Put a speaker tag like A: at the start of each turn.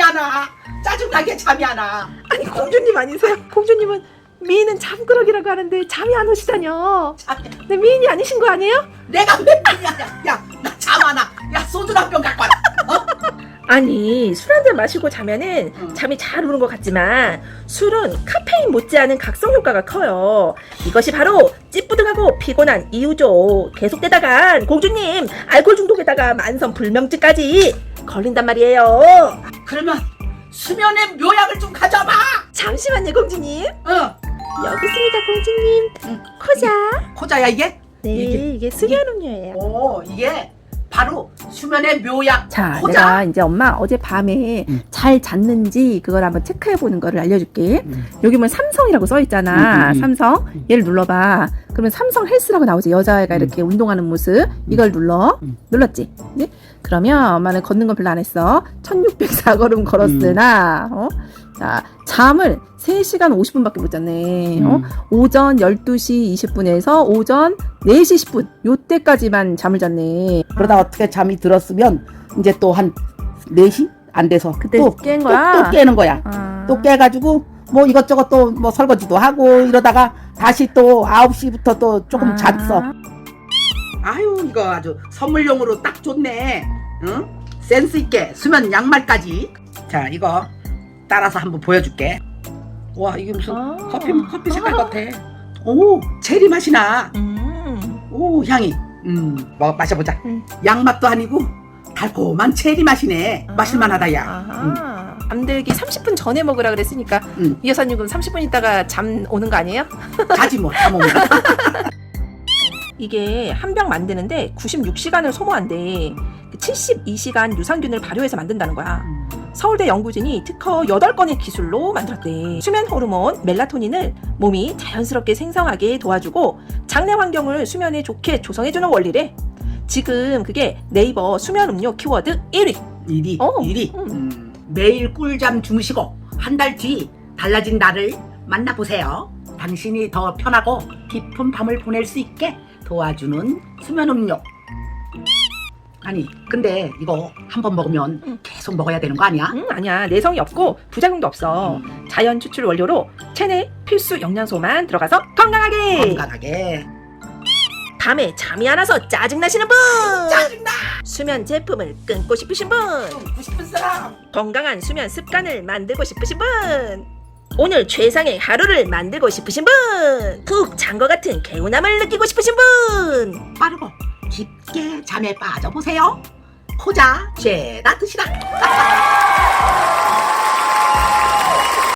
A: 안 와. 짜증나게 잠이 안 와.
B: 아니 공주님 아니세요? 공주님은 미인은 잠그러기라고 하는데 잠이 안 오시다뇨. 근데 미인이 아니신 거 아니에요?
A: 내가 왜 미안이야. 야, 나 잠 안 와. 야, 소주 한 병 갖고 와라.
B: 아니 술 한 잔 마시고 자면은 잠이 잘 오는 것 같지만 술은 카페인 못지않은 각성 효과가 커요. 이것이 바로 찌뿌둥하고 피곤한 이유죠. 계속되다간 공주님 알코올 중독에다가 만성 불면증까지 걸린단 말이에요.
A: 그러면 수면의 묘약을 좀 가져와봐.
B: 잠시만요 공주님.
A: 어.
B: 여기 있습니다 공주님. 코자.
A: 코자야 이게?
B: 네 이게 수면 음료예요.
A: 오, 이게 바로 수면의 묘약.
B: 자,
A: 코자?
B: 내가 이제 엄마 어젯밤에 잘 잤는지 그걸 한번 체크해보는 거를 알려줄게. 여기 보면 삼성이라고 써있잖아. 삼성. 얘를 눌러봐. 그러면 삼성 헬스라고 나오지. 여자애가 이렇게 운동하는 모습. 이걸 눌러. 눌렀지? 네? 그러면 엄마는 걷는 건 별로 안 했어. 1604걸음 걸었으나, 자, 잠을 3시간 50분밖에 못 잤네. 오전 12시 20분에서 오전 4시 10분. 요때까지만 잠을 잤네.
C: 그러다 어떻게 잠이 들었으면 이제 또 한 4시 안 돼서
B: 그때
C: 또
B: 깬 거야?
C: 또 깨는 거야.
B: 아.
C: 또 깨가지고 뭐 이것저것 또 뭐 설거지도 하고 이러다가 다시 또 9시부터 또 조금 잤어.
A: 아유, 이거 아주 선물용으로 딱 좋네. 응? 센스 있게 수면 양말까지. 자, 이거 따라서 한번 보여줄게. 와, 이게 무슨 커피 색깔 같아. 오, 체리 맛이 나. 오, 향이. 마셔보자. 양맛도 아니고 달콤한 체리 맛이네. 마실만하다, 야.
B: 잠들기 30분 전에 먹으라 그랬으니까 이 여사님 그럼 30분 있다가 잠 오는 거 아니에요?
A: 자지 뭐, 잠 오면.
B: 이게 한 병 만드는데 96시간을 소모한대. 72시간 유산균을 발효해서 만든다는 거야. 서울대 연구진이 특허 8건의 기술로 만들었대. 수면 호르몬 멜라토닌을 몸이 자연스럽게 생성하게 도와주고 장내 환경을 수면에 좋게 조성해주는 원리래. 지금 그게 네이버 수면 음료 키워드 1위.
A: 1위. 매일 꿀잠 주무시고 한 달 뒤 달라진 나를 만나보세요. 당신이 더 편하고 깊은 밤을 보낼 수 있게 도와주는 수면 음료. 아니, 근데 이거 한 번 먹으면 계속 먹어야 되는 거 아니야?
B: 아니야. 내성이 없고 부작용도 없어. 자연 추출 원료로 체내 필수 영양소만 들어가서 건강하게. 밤에 잠이 안 와서 짜증나시는 분,
A: 짜증나!
B: 수면 제품을 끊고 싶으신 분,
A: 먹고 싶은 사람!
B: 건강한 수면 습관을 만들고 싶으신 분, 오늘 최상의 하루를 만들고 싶으신 분, 푹 잔 것 같은 개운함을 느끼고 싶으신 분,
A: 빠르고 깊게 잠에 빠져보세요. 코자 죄다 드시라.